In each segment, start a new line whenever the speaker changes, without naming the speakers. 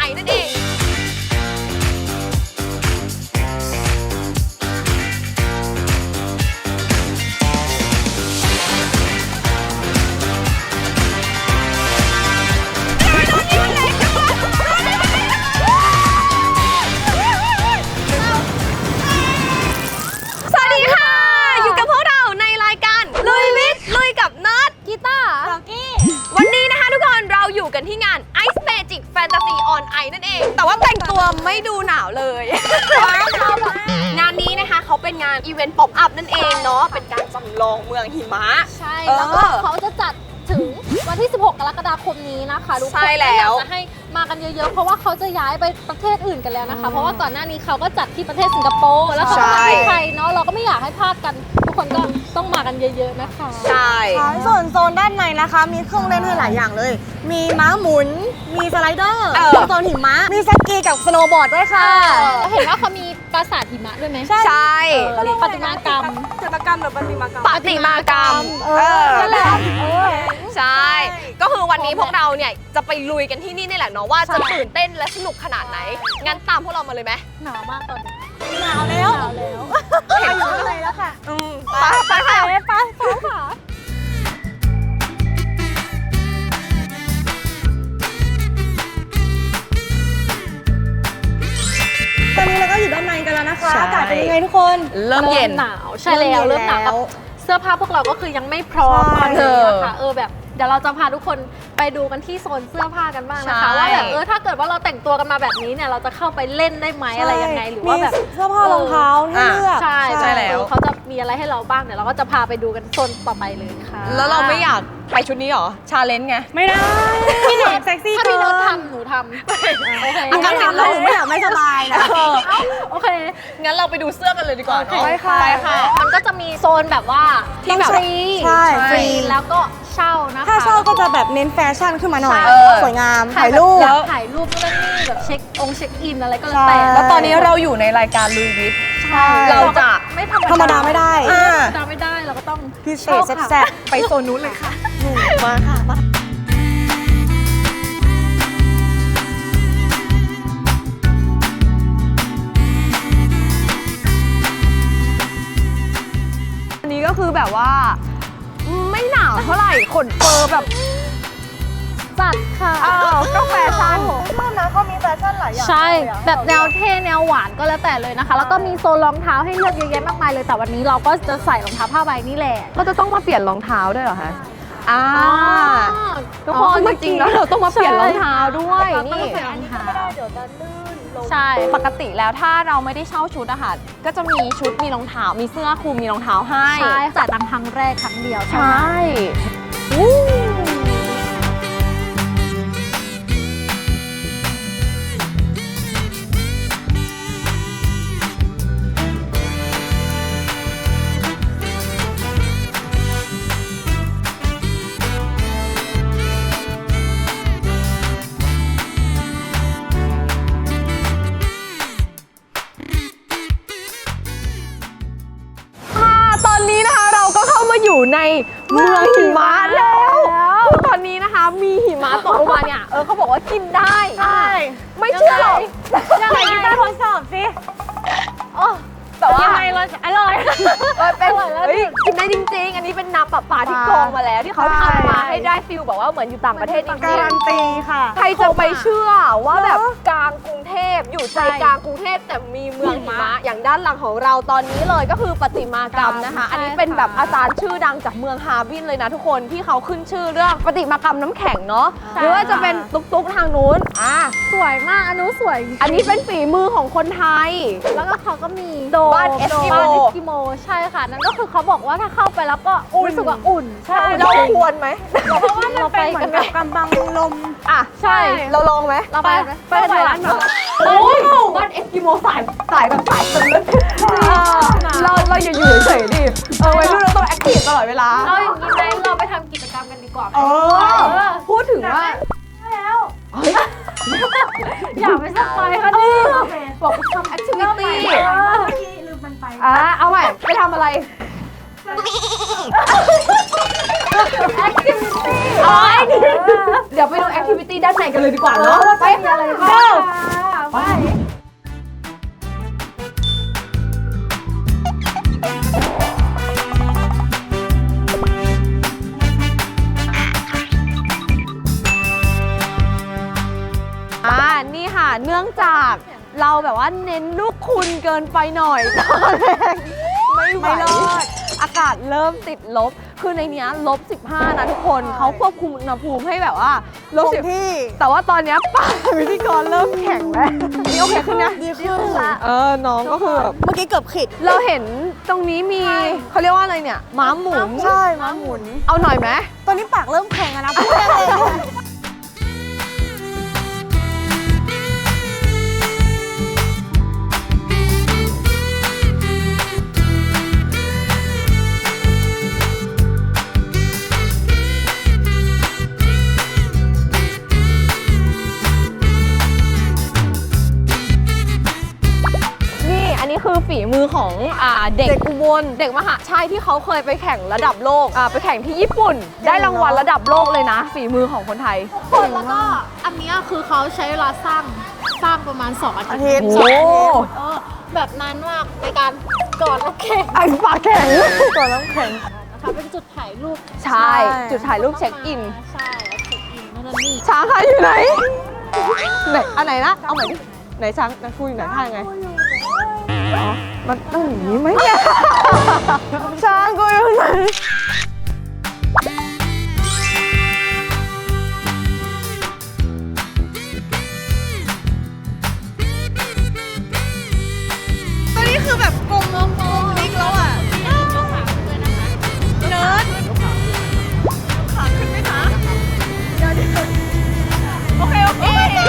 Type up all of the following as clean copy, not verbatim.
นั่นเองสวัสดีค่ะอยู่กับพวกเราในรายการลุยวิทย์ลุยกับนัทกีตาร์สกี้วันนี้นะคะทุกคนเราอยู่กันที่งาน Ice Magic Fantasy on Ice นั่นเองแต่ว่าแต่งตัวไม่ดูหนาวเลยงานนี้นะคะเขาเป็นงานอีเวนต์ป๊อปอัพนั่นเองเนาะเป็นการจำลองเมืองหิมะ
ใช่แล้วก็เขาจะจัดถึงวันที่ 16 กรกฎาคมนี้นะคะทุกคน
ใช่แล้ว
อยากจะให้มากันเยอะๆเพราะว่าเขาจะย้ายไปประเทศอื่นกันแล้วนะคะเพราะว่าก่อนหน้านี้เขาก็จัดที่ประเทศสิงคโปร์แล้วเขาก็มาที่ไทยเนาะเราก็ไม่อยากให้พลาดกันทุกคนก็ต้องมากันเยอะๆนะคะ
ใช่
ส่วนโซนด้านในนะคะมีเครื่องเล่นให้หลายอย่างเลย มีม้าหมุนมีสไลเดอร์โซนหิมะมีสกีกับสโนว์บอร์ดด้วยค่ะ
เห็นว่าเขามีปราสาทหิมะด้วยไหม
ใช่
ปฏิมากรรม
จิตรกรรมหรือปฏิมากรรม
ปฏิมากรรม
นั่นแหละ
ใช่ก็คือวันนี้พวกเราเนี่ยจะไปลุยกันที่นี่นี่แหละเนาะว่าจะตื่นเต้นและสนุกขนาดไหนงั้นตามพวกเรามาเลยไหม
หนาวมากตอนนี้
หนาวแล้ว
เห็นอยู่เลยแล้วค่ะไปค่ะ
ไปค่ะ
ตอนนี้เราก็อยู่ด้านในกันแล้วนะคะอากาศเป็นยังไงทุกคน
เริ่มเย็น
หนาวใช่แล้วเริ่มหนาวเสื้อผ้าพวกเราก็คือยังไม่พร้อมตอนนี้นะคะแบบเดี๋ยวเราจะพาทุกคนไปดูกันที่โซนเสื้อผ้ากันบ้างนะคะว่าแบบถ้าเกิดว่าเราแต่งตัวกันมาแบบนี้เนี่ยเราจะเข้าไปเล่นได้ไหมอะไรยังไงหรือว่าแบบ
เสื้อผ้ารองเท้าให้เลือก
ใช่แล้วเขาจะมีอะไรให้เราบ้างเดี๋ยวเราก็จะพาไปดูกันโซนต่อไปเลยค่ะ
แล้วเราไม่อยากไปชุดนี้หรอชาเลนจ์ไง
ไม่ได้พี่หนูเซ็กซี่
ถ้าพี่โน้ตทำหนูทำโอเค
งั้นทำแล้วหนูไม่อยากไม่สบายนะ
โอเค
งั้นเราไปดูเสื้อกันเลยดีกว่า
ไปค่ะ
มันก็จะมีโซนแบบว่าที่แบบฟรีแล้วก็เช่านะคะ
ถ้าเช่าก็จะแบบเน้นแฟชั่นขึ้นมาหน่อยสวยงามถ่ายรูป
ถ่ายรูปนู่นนี่แบบเช็คอินอะไรก็แล้วแต่
แล้วตอนนี้เราอยู่ในรายการลุยวิทย์เราจะ
ไม่
ธรรมดาไม่ได้
เราก็ต้อง
พิเศษแซ่บ
ไปโซนนู้นเลยค่ะ
มาค่ะ
อันนี้ก็คือแบบว่าไม่หนาวเท่าไหร่ขนเฟอร์แบบ
จัดค่ะ
ก็แฟชั่น
ชอบนะเขามีแฟชั่นหลายอย่าง
ใช่แบบแนวเท่แนวหวานก็แล้วแต่เลยนะคะแล้วก็มีโซนรองเท้าให้เลือกเยอะแยะมากมายเลยแต่วันนี้เราก็จะใส่รองเท้าผ้าใบนี่แหละ
เราจะต้องมาเปลี่ยนรองเท้าด้วยเหรอคะทุกคนจริงๆแล้วเราต้องมาเปลี่ยนรองเท้าด้วยนี่
อันนี้ก็ไม่ได้เดี๋ยวจะลื่นลง
ใช่ปกติแล้วถ้าเราไม่ได้เช่าชุดอะค่ะก็จะมีชุดมีรองเท้ามีเสื้อคลุมมีรองเท้าให้
ใช่จัดทำครั้งแรกครั้งเดียว
ใช่อยู่ในเมืองหิมะแล้วคือตอนนี้นะคะมีหิมะตกลงมาเนี่ยเขาบอกว่ากินได้ไม่เชื่อหรอก
ยังไงกีตาร์ทดสอบสิ
แต่ว่า
ยังไงเราอร่อย
เป็นกินได้จริงๆอันนี้เป็นน้ำประปาที่กรองมาแล้วที่เขาทำมาให้ได้ฟิลแบบว่าเหมือนอยู่ต่างประเทศจริงๆ
การันตีค่ะ
ใครจะไปเชื่อว่าแบบกลางกรุงเทพอยู่ใจกลางกรุงเทพแต่มีเมืองหิมะอย่างด้านหลังของเราตอนนี้เลยก็คือประติมากรรมนะคะอันนี้เป็นแบบอาจารย์ชื่อดังจากเมืองฮาร์บินเลยนะทุกคนที่เขาขึ้นชื่อเรื่องประติมากรรมน้ำแข็งเนาะหรือว่าจะเป็นตุ๊กทางนู้น
สวยมากอันนู้นสวย
อันนี้เป็นฝีมือของคนไทย
แล้วก็เขาก็มี
บ้านเอส
กิโมใช่ค่ะนั่นก็คือเขาบอกว่าถ้าเข้าไปแล้วก็รู้สึกว่าอุ่น
ใช่เราควรไหม
เพราะว่ามันเป็นเหมือนกับกำบังลม
ใช่เราลองไหม
เราไป
ร้านแบบบ้านเอสกิโมสายแบบสายตื่นเราอย่าอยู่เฉยๆดิวัยรุ่นเราต้องแอคทีฟตลอดเวลา
เราอย่างนี้ไหมเราไปทำกิจกรรมกันดีกว่า
พูดถึงว่า
แล้ว
อย่าไปสปอยค่ะนี่
บอกทำแอคทิวิตี้
ลืมมันไป
เอาใหม่ไปทำอะไร activity ดี๋ยวไปดูแอคทิวิตี้ด้านในกันเลยดีกว่าเนาะไปอะไรกันไปนี่ค่ะเนื่องจากเราแบบว่าเน้นลูกคุณเกินไปหน่อยตอนแรกไม่รอดอากาศเริ่มติดลบคือในนี้ลบ15นะทุกคนเขาควบคุมอุณหภูมิให้แบบว่าลบ10ที่แต่ว่าตอนนี้ป้าพิธีกรเริ่มแข็งแล้วนี่โอเคขึ้นนะ
ดีขึ้นละ
น้องก็คือแบบ
เมื่อกี้เกือบขิด
เราเห็นตรงนี้มีเขาเรียกว่าอะไรเนี่ยม้าหมุน
ใช่ม้าหมุน
เอาหน่อยไหม
ตอนนี้ปากเริ่มแข็งแล้วนะพูดได้เลย
นี่อันนี้คือฝีมือของเด็กอุบลเด็กมหาชัยที่เขาเคยไปแข่งระดับโลกไปแข่งที่ญี่ปุ่น ได้รางวัลระดับโลกเลยนะ ฝีมือของคนไทย
คนแล้วก็อันเนี้ยคือเขาใช้เวลาสร้างประมาณ2 อาทิตย์
โอ้
แบบนานมากในการก่อนแล้วแข่ง
ไอ้ปากแข็ง
ก่อนน้ำแข็ง
นะคะเป็นจุดถ่ายรูป
ใช่ จุดถ่ายรูปเช็คอิน
ใช่แล้วเช็คอินนั่นนะนี่
ช้างค่ะอยู่ไหนไหนอันไหนนะเอาใหม่ดิไหนช้างนักพูดอยู่ไหนท่าไงอ๋อมันต้องอย่างนี้ไหมเนี่ยช้างกูอยู่ไหน
ตอนนี้คือแบบกลมพลิกแล้วอ่ะเนิร์ดขาขึ้นไหมคะเดี๋ยวโอเคโอเค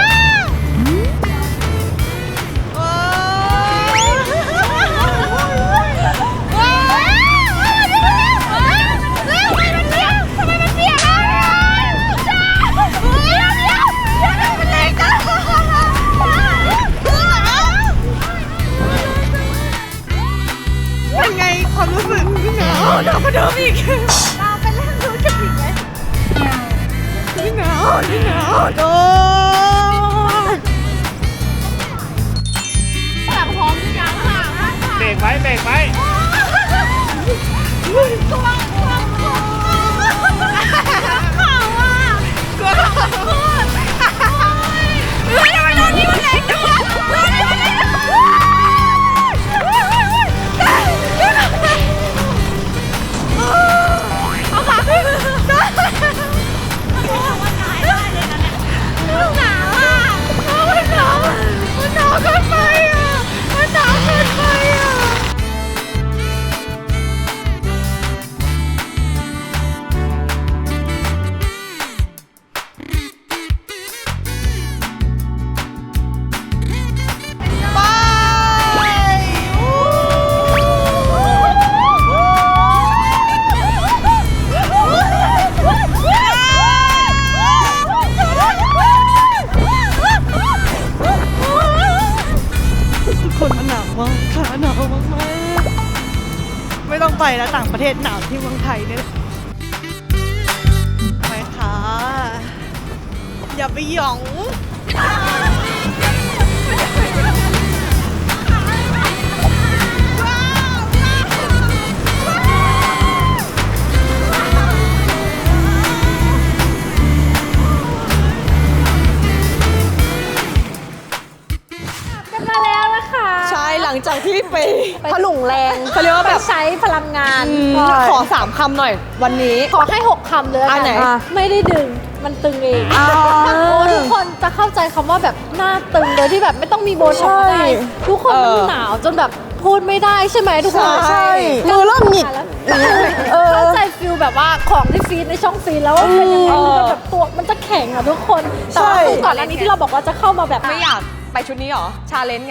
เป็นไงความรู้สึกหนาวกว่าเดิมอีกเราเป็นเรื่องรู้สึกอีกไหมยิ่งหนาวโอ้แบบพร้อมหรือยังค่ะ
เบรกไว้เบรกไว้
กลัวข่าวอ่ะกลัวข่าวพูดเฮ้ยทำไมตอนนี้มันแรงจังวะเอาขาขึ้นหนาวอ่ะมันหนาวเกินไปอ่ะมันหนาวเกินไปอ่ะคนมันหนาวมากค่ะหนาวมากๆไม่ต้องไปแล้วต่างประเทศหนาวที่เมืองไทยเนี่ยไปค่ะอย่าไปหยอง
มาแล้วนะคะ
ใช่หลังจากที่ไป
ถลุงแรง
เขาเรียกว่า
ไป
แบบ
ใช้พลังงาน
ขอ3 คำหน่อยวันนี้
ขอให้ 6 คำเลย
อันไหน
ไม่ได้ดึงมันตึงเองทุกคนจะเข้าใจคำว่าแบบหน้าตึงโดยที่แบบไม่ต้องมีโบท็อกซ์ได้ทุกคนมันหนาวจนแบบพูดไม่ได้ใช่ไหมทุกคน
ใช่มือเริ่มหงิก
เข้าใจฟิลแบบว่าของที่ฟีดในช่องฟีดแล้วว่าเป็นยังไงมันแบบตัวมันจะแข็งอ่ะทุกคนแต่ว่าคือก่อนอันนี้ที่เราบอกว่าจะเข้ามาแบบ
ไม่อยากไปชุดนี้หรอ ชาเลนจ์ไง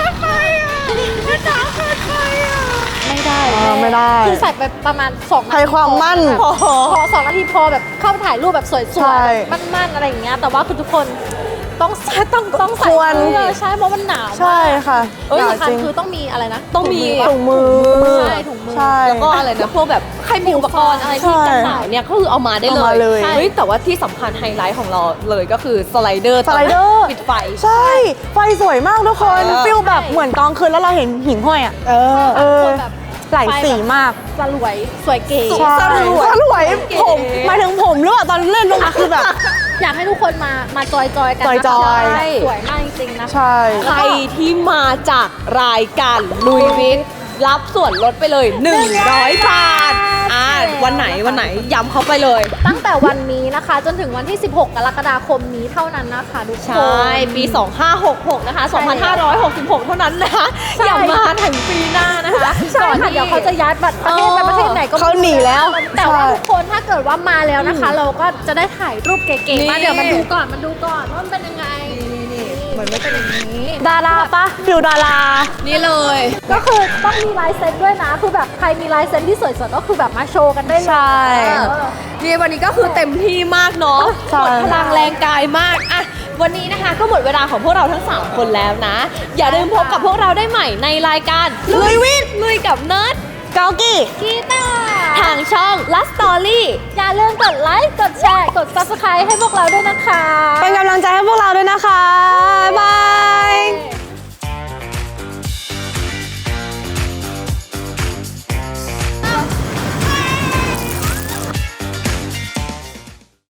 ไม่ได้
ไม่ได้
คือใส่ไปประมาณ2 นาที
ให้ความมั่น
พอ2 นาทีพอแบบเข้าไปถ่ายรูปแบบสวย
ใช่
ๆมั่นๆอะไรอย่างเงี้ยแต่ว่าคือทุกคนต้องใส่
ควร
เสื้อใช่เพราะมันหนาวมาก
ใช่ค่ะ
ที่
หนาว
สำคัญ
จริง
คือต้องมีอะไรนะ
ต้องมี
ถุงมือ
ใช่ถุงมือ
ใช่
แล้วก็อะไรนะพวกแบบใครมีอุปกรณ์อะไรที่กันหนาวเนี่ยก็คือเอามาได้
เอามาเลย
เฮ้ยแต่ว่าที่สำคัญไฮไลท์ของเราเลยก็คือสไลเดอร์
สไลเดอร์
ปิดไฟ
ใช่ ไฟสวยมากทุกคน ฟิลแบบเหมือนกลางคืนแล้วเราเห็นหิ่งห้อยอ่ะ เออ
แบบ
หลายสีมาก
สลวยสวยเก๋
ใช่สลวยผมหมายถึงผมหรือเปล่าตอนเล่นลงมาคือแบบ
อยากให้ทุกคนมาจอยกันนะคะ
จอยๆ
ใช่สวยมากจริงๆนะคะ
ใช่
ใครที่มาจากรายการลุยวิทย์รับส่วนลดไปเลย 100 บาทวันไหนย้ำเขาไปเลย
ตั้งแต่วันนี้นะคะ จนถึงวันที่ 16 กรกฎาคมนี้เท่านั้นนะคะทุกคน
ใช่ ปี 2566 นะคะ
ใช่
2566 เท่านั้นนะคะ
ใช่
อย่ามาถึงปีหน้านะคะ
ใช่ค่ะเดี๋ยวเขาจะย้ายประเทศไปประเทศไหนก็ไม่
เขาหนีแล้ว
แต่ว่า
ใช่
ทุกคนถ้าเกิดว่ามาแล้วนะคะ เราก็จะได้ถ่ายรูปเก๋
นี่
ๆมาเดี๋ยวมาดูก่อนว่ามันเป็นยังไงเหมือนมันเป็นอย่างนี้
ดาราปะฟิลดารา
นี่เลย
ก็คือต้องมีลายเซ็นด้วยนะคือแบบใครมีลายเซ็นที่สวยๆก็คือแบบมาโชว์กันได้เลย
ใช่
เออ
นี่วันนี้ก็คือเต็มที่มากเนาะ
ใช่
หมดพลังแรงกายมากอะวันนี้นะคะก็หมดเวลาของพวกเราทั้ง 3 คนแล้วนะ อย่าลืมพบกับพวกเราได้ใหม่ในรายการลุยวิทย์ลุยกับเนิร์ด
เกากี้
กีตาร์
ทางช่องลัสตอรี่
อย่าลืมกดไลค์กดแชร์กด subscribe ให้พวกเราด้วยนะคะ
เป็นกำลังใจให้พวกเราด้วยนะคะ บ๊ายบาย